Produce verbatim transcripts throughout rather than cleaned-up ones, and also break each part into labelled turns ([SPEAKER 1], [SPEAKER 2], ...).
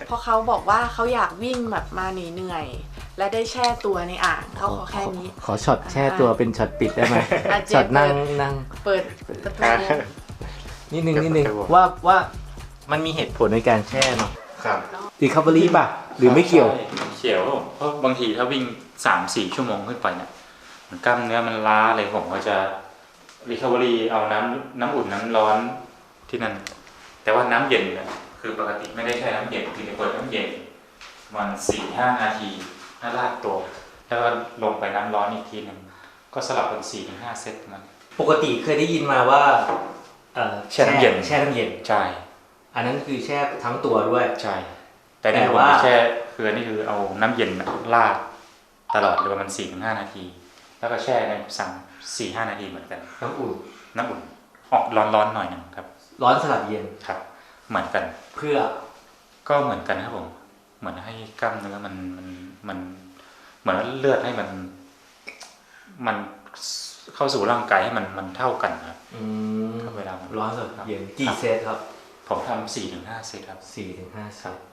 [SPEAKER 1] เพราะเขาบอกว่าเขาอยากวิ่งแบบมาเหนื่อยๆและได้แช่ตัวในอ่างเขาขอแค่นี้
[SPEAKER 2] ขอช็อตแช่ตัวเป็นช็อตปิดได้ไหมช็อตนั่งนั่ง
[SPEAKER 1] เปิดประตู
[SPEAKER 2] นิดนึงนิดนึงว่าว่ามันมีเหตุผลในการแช่เนาะ
[SPEAKER 3] ครับ
[SPEAKER 2] รีคัฟเวอรี่ป่ะหรือไม่เกี่ยว
[SPEAKER 3] เกี่ยวเพราะบางทีถ้าวิ่ง สามถึงสี่ ชั่วโมงขึ้นไปเนี่ยมันกล้ามเนื้อมันล้าอะไรผมก็จะรีคัฟเวอรี่เอาน้ำน้ำอุ่นน้ำร้อนที่นั่นแต่ว่าน้ำเย็นเนี่ยคือปกติไม่ได้ใช้น้ำเย็นคือจะเปิดน้ำเย็นมัน สี่ถึงห้า นาทีถ้าลากตัวแล้วก็ลงไปน้ำร้อนอีกทีนึงก็สลับเป็น สี่ถึงห้า เซตมัน
[SPEAKER 2] ปกติเคยได้ยินมาว่า
[SPEAKER 3] แช่น้ำเย็น
[SPEAKER 2] แช่น้ำเย็น
[SPEAKER 3] ใช่
[SPEAKER 2] อันนั้นคือแช่ทั้งตัวด้วย
[SPEAKER 3] ใช่แต่นี่ผมแช่คืออันนี้คือเอาน้ำเย็นลาดตลอดเลยประมาณ สี่ถึงห้า นาทีแล้วก็แช่ในสั่ง สี่ถึงห้า นาทีเหมือนกัน
[SPEAKER 2] น้ำอุ่น
[SPEAKER 3] น้ำอุ่นออกร้อนๆหน่อยนึงครับ
[SPEAKER 2] ร้อนสลับเย็น
[SPEAKER 3] ครับเหมือนกัน
[SPEAKER 2] เพื่อ
[SPEAKER 3] ก็เหมือนกันครับผมเหมือนให้กล้ามเนื้อมันมันมันเหมือนเลือดให้มันมันเข้าสู่ร่างกายให้มันมันเท่ากันครับ
[SPEAKER 2] อืม
[SPEAKER 3] เวลา
[SPEAKER 2] ร้อนสลับเย็นกี่เซตครับ
[SPEAKER 3] ผมทำ สี่ถึงห้า เซตครับ
[SPEAKER 2] สี่ถึงห้า เซต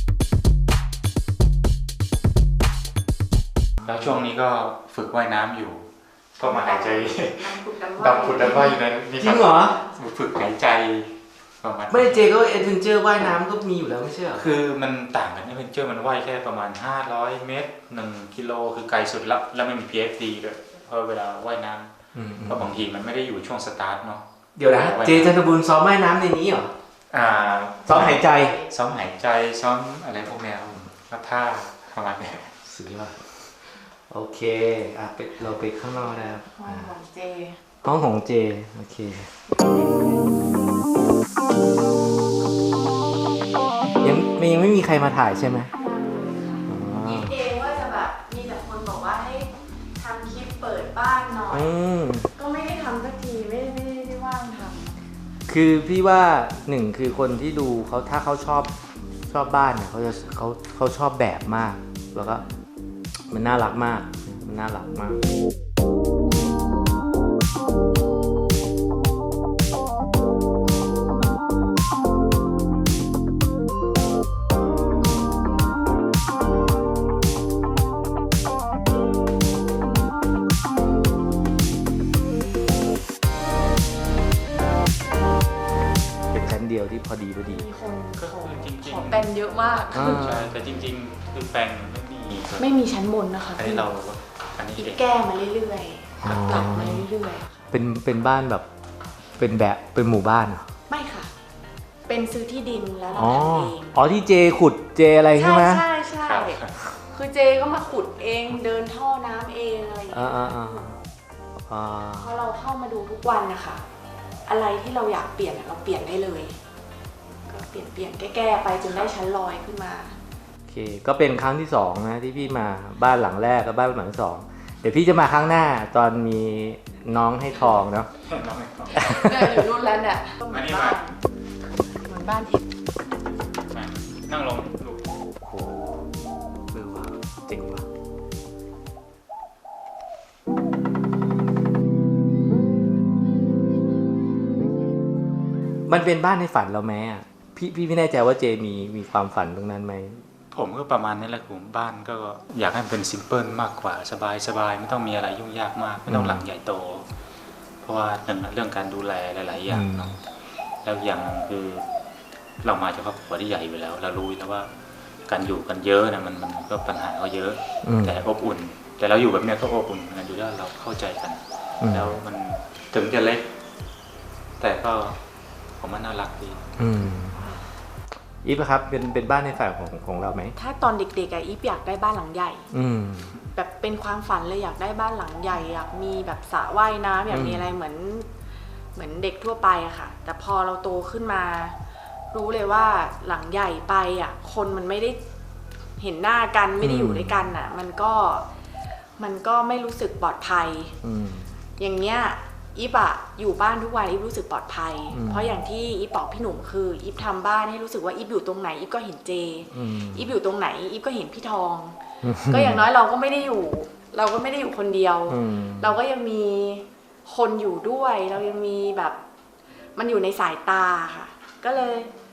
[SPEAKER 3] แล้วช่วงนี้ก็ฝึกว่ายน้ำอยู่ก็มาหายใจดับผุดดับว่ายอยู่ในนี่
[SPEAKER 2] จริงเหรอ
[SPEAKER 3] ฝึกหายใจประมาณ
[SPEAKER 2] ไม่เจก็เอดเวนเจอร์ว่ายน้ำก็มีอยู่แล้วไม่ใช่เหรอ
[SPEAKER 3] คือมันต่างกันเอดเวนเจอร์มันว่ายแค่ประมาณห้าร้อยเมตรหนึ่งกิโลคือไกลสุดละแล้วไม่มี พี เอฟ ดี ด้วยเพราะเวลาว่ายน้ำเพราะบางทีมันไม่ได้อยู่ช่วงสตาร์ทเนาะ
[SPEAKER 2] เดี๋ยวนะเจจันทบุญซ้อมว่ายน้ำในนี้เหรอ
[SPEAKER 3] อ่า
[SPEAKER 2] ซ้อมหายใจ
[SPEAKER 3] ซ้อมหายใจซ้อมอะไรพวกนี้ก็ท่าประมาณนี้
[SPEAKER 2] สุดยอดโอเคอ่ะไปเราไปข้างนอกแล้ว
[SPEAKER 1] ห้องของเจ
[SPEAKER 2] ห้องของเจโอเคยังยังไม่มีใครมาถ่ายใช่ไหม
[SPEAKER 1] คิดเองว่าจะแบบมีแต่คนบอกว่าให้ทำคลิปเปิดบ้านหน่อยก็ไม่ได้ทำสักทีไม่ไม่ได้ว่างทำ
[SPEAKER 2] คือพี่ว่าหนึ่งคือคนที่ดูเขาถ้าเขาชอบชอบบ้านเนี่ยเขาจะเขาเขาชอบแบบมากแล้วก็มันน่ารักมากมันน่ารักมากเดียวที่พอดีพอดี
[SPEAKER 1] มีคน
[SPEAKER 3] ก็คือจริงๆ
[SPEAKER 1] ขอแปลนเยอะมาก
[SPEAKER 3] ใช่แต่จริงๆคือแปลนไม่มี
[SPEAKER 1] ไม่มีชั้นบนนะคะ
[SPEAKER 3] อันนี้เราอันนี้
[SPEAKER 1] แก้มาเรื่อยๆปรับมาเรื่อย
[SPEAKER 2] ๆเป็นเป็นบ้านแบบเป็นแบบเป็นหมู่บ้านเหรอ
[SPEAKER 1] ไม่ค่ะเป็นซื้อที่ดินแล้วเราทำเอง
[SPEAKER 2] อ๋อที่เจขุดเจอะไรใช่ไหม
[SPEAKER 1] ใช่ใช่คือเจก็มาขุดเองเดินท่อน้ำเองอะไรอย่างเงี้ยเพราะเราเข้ามาดูทุกวันนะคะอะไรที่เราอยากเปลี่ยนเราเปลี่ยนได้เลยก็เปลี่ยนเปลี่ยนแก้ๆไปจนได้ชั้นลอยขึ้นมา
[SPEAKER 2] โอเคก็เป็นครั้งที่สองนะที่พี่มาบ้านหลังแรกกับบ้านหลังที่สองเดี๋ยวพี่จะมาครั้งหน้าตอนมีน้องให้ทองเนาะ
[SPEAKER 3] น้องให้ทอง
[SPEAKER 1] เนี่ยอยู่รุ่นแล้วเนี่ยเหมือนบ้านเหมือนบ้านอีก
[SPEAKER 3] นั่งลงลูก
[SPEAKER 2] โอ้โหเออว่ะเจ๋งว่ะมันเป็นบ้านในฝันเราไหมอ่ะพี่พี่ไม่แน่ใจว่าเจมีมีความฝันตรงนั้นไหม
[SPEAKER 3] ผมก็ประมาณนี้แหละผมบ้านก็อยากให้มันเป็นซิมเพิลมากกว่าสบายสบายไม่ต้องมีอะไรยุ่งยากมากไม่ต้องหลังใหญ่โตเพราะว่าหนึ่งเรื่องการดูแลหลายๆอย่างเนาะแล้วอย่างคือเรามาจากครอบครัวที่ใหญ่ไปแล้วเรารู้แล้วว่าการอยู่กันเยอะนะมันมันก็ปัญหาเขาเยอะแต่อบอุ่นแต่เราอยู่แบบนี้ก็อบอุ่นกันอยู่แล้วเราเข้าใจกันแล้วมันถึงจะเล็กแต่ก็ผมว่าน่ารักดี
[SPEAKER 2] อีฟครับเป็นเป็นบ้านในฝันของของเราไหม
[SPEAKER 1] ถ้าตอนเด็กๆอะอีฟอยากได้บ้านหลังใหญ่แบบเป็นความฝันเลยอยากได้บ้านหลังใหญ่อยากมีแบบสระว่ายน้ำอยากมีอะไรเหมือนเหมือนเด็กทั่วไปอะค่ะแต่พอเราโตขึ้นมารู้เลยว่าหลังใหญ่ไปอะคนมันไม่ได้เห็นหน้ากันไม่ได้อยู่ด้วยกันอะมันก็มันก็ไม่รู้สึกปลอดภัยอย่างเนี้ยอีฟอะอยู่บ้านทุกวันอีฟรู้สึกปลอดภัยเพราะอย่างที่อีฟบอกพี่หนุ่มคืออีฟทำบ้านให้รู้สึกว่าอีฟอยู่ตรงไหนอีฟก็เห็นเจอีฟอยู่ตรงไหนอีฟก็เห็นพี่ทองก็อย่างน้อยเราก็ไม่ได้อยู่เราก็ไม่ได้อยู่คนเดียวเราก็ยังมีคนอยู่ด้วยเรายังมีแบบมันอยู่ในสายตาค่ะก็เลย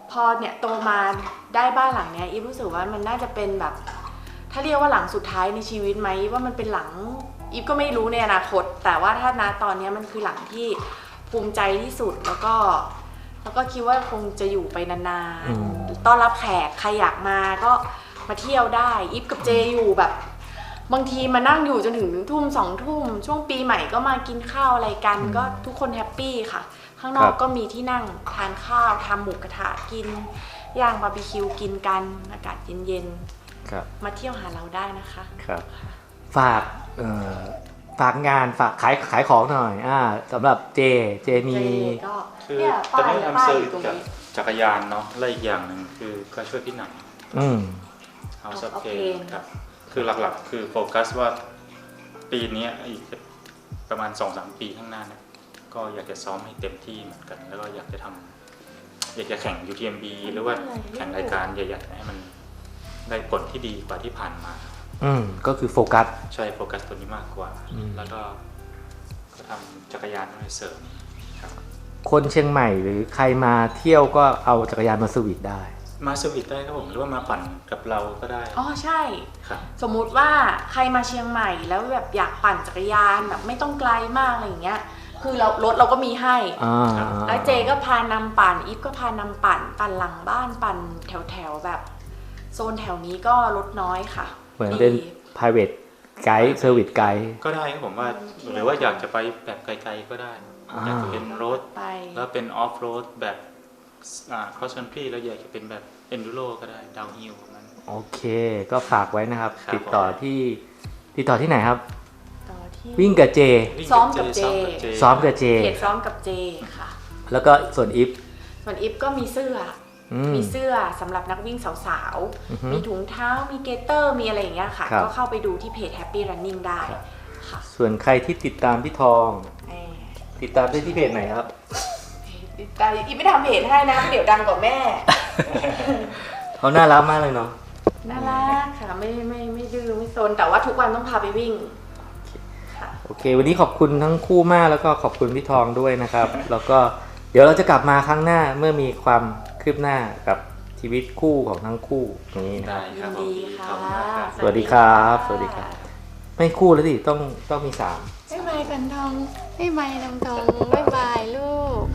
[SPEAKER 1] พอเนี่ยโตมาได้บ้านหลังเนี้ยอีฟรู้สึกว่ามันน่าจะเป็นแบบ ถ้าเรียกว่าหลังสุดท้ายในชีวิตไหมว่ามันเป็นหลังอีฟก็ไม่รู้ในอนาคต แต่ว่าถ้าณตอนนี้มันคือหลังที่ภูมิใจที่สุดแล้วก็แล้วก็คิดว่าคงจะอยู่ไปนานๆต้อนรับแขกใครอยากมาก็มาเที่ยวได้อีฟกับเจอยู่แบบบางทีมานั่งอยู่จนถึงทุ่มสองทุ่มช่วงปีใหม่ก็มากินข้าวอะไรกันก็ทุกคนแฮปปี้ค่ะข้างนอกก็มีที่นั่งทานข้าวทำหมูกระทะกินย่างบาร์บีคิวกินกันอากาศเย็นๆมาเที่ยวหาเราได้นะคะ
[SPEAKER 2] ครับฝากเอ่อฝากงานฝากขายขายของหน่อยอ่าสำหรับเจเจมี
[SPEAKER 1] ก็
[SPEAKER 3] คือตอนนี้ทำเซอร์วิสกับจักรยานเนาะและอีกอย่างหนึ่งคือก็ช่วยพี่หนัง
[SPEAKER 2] อืม
[SPEAKER 3] เอาสับเกมครับคือหลักๆคือโฟกัสว่าปีนี้อีกประมาณ สองถึงสาม ปีข้างหน้าเนี่ยก็อยากจะซ้อมให้เต็มที่เหมือนกันแล้วก็อยากจะทำอยากจะแข่ง ยู ที เอ็ม บี หรือว่าแข่งรายการใหญ่ๆให้มันได้ผลที่ดีกว่าที่ผ่านมา
[SPEAKER 2] อืมก็คือโฟกัส
[SPEAKER 3] ใช่โฟกัสตัวนี้มากกว่าแล้วก็ก็ทำจักรยานให้เสริมครับ
[SPEAKER 2] คนเชียงใหม่หรือใครมาเที่ยวก็เอาจักรยานมาสวิตได้
[SPEAKER 3] มาสวิตได้ครับผมหรือว่ามาปั่นกับเราก็ได้
[SPEAKER 1] อ๋อใช่สมมุติว่าใครมาเชียงใหม่แล้วแบบอยากปั่นจักรยานแบบไม่ต้องไกลมากอะไรอย่างเงี้ยคือเรารถเราก็มีให้แล้วเจก็พานำปั่นอีฟก็พานำปั่นปั่นหลังบ้านปั่นแถวๆแบบโซนแถวนี้ก็รถน้อยค่ะ
[SPEAKER 2] เหมือนเป็น private guide service guide
[SPEAKER 3] ก็ได้ครับผมว่าหรือว่าอยากจะไปแบบไกลๆก็ได้อยากจะเป็นรถแล้วเป็นออฟโรดแบบcross country แล้วอยากจะเป็นแบบ enduro ก็ได้ downhill นั้น
[SPEAKER 2] โอเคก็ฝากไว้นะครับติดต่อที่ติดต่อที่ไหนครับวิ่งกับเจ
[SPEAKER 1] ซ้อมกับเจ
[SPEAKER 2] ซ้อมกับเจ
[SPEAKER 1] เพจซ้อมกับเจค่ะ
[SPEAKER 2] แล้วก็ส่วนอิฟ
[SPEAKER 1] ส่วนอิฟก็มีเสื้อมีเสื้อสำหรับนักวิ่งสาวๆมีถุงเท้ามีเกเตอร์มีอะไรอย่างเงี้ยค่ะก็เข้าไปดูที่เพจ Happy Running ได้ค่ะ
[SPEAKER 2] ส่วนใครที่ติดตามพี่ทองติดตามได้ที่เพจไหนครับ
[SPEAKER 1] ติดตามอีฟไม่ทำเพจให้นะเดี๋ยวดังกว่าแม่
[SPEAKER 2] เขาน่ารักมากเลยเนาะ
[SPEAKER 1] น่ารักค่ะไม่ไม่ไม่ดื้อไม่ซนแต่ว่าทุกวันต้องพาไปวิ่ง
[SPEAKER 2] โอเควันนี้ขอบคุณทั้งคู่มากแล้วก็ขอบคุณพี่ทองด้วยนะครับแล้วก็เดี๋ยวเราจะกลับมาครั้งหน้าเมื่อมีความคืบหน้ากับชีวิตคู่ของทั้งคู่นี้นะ
[SPEAKER 3] ได้ครับ
[SPEAKER 1] ดีค่ะ
[SPEAKER 2] สวัสดีครับสวัสดีครับไม่คู่แล้วสิต้องต้องมีสาม
[SPEAKER 1] บ๊ายบายกันทองบ๊ายบายน้องทองบ๊ายบายลูก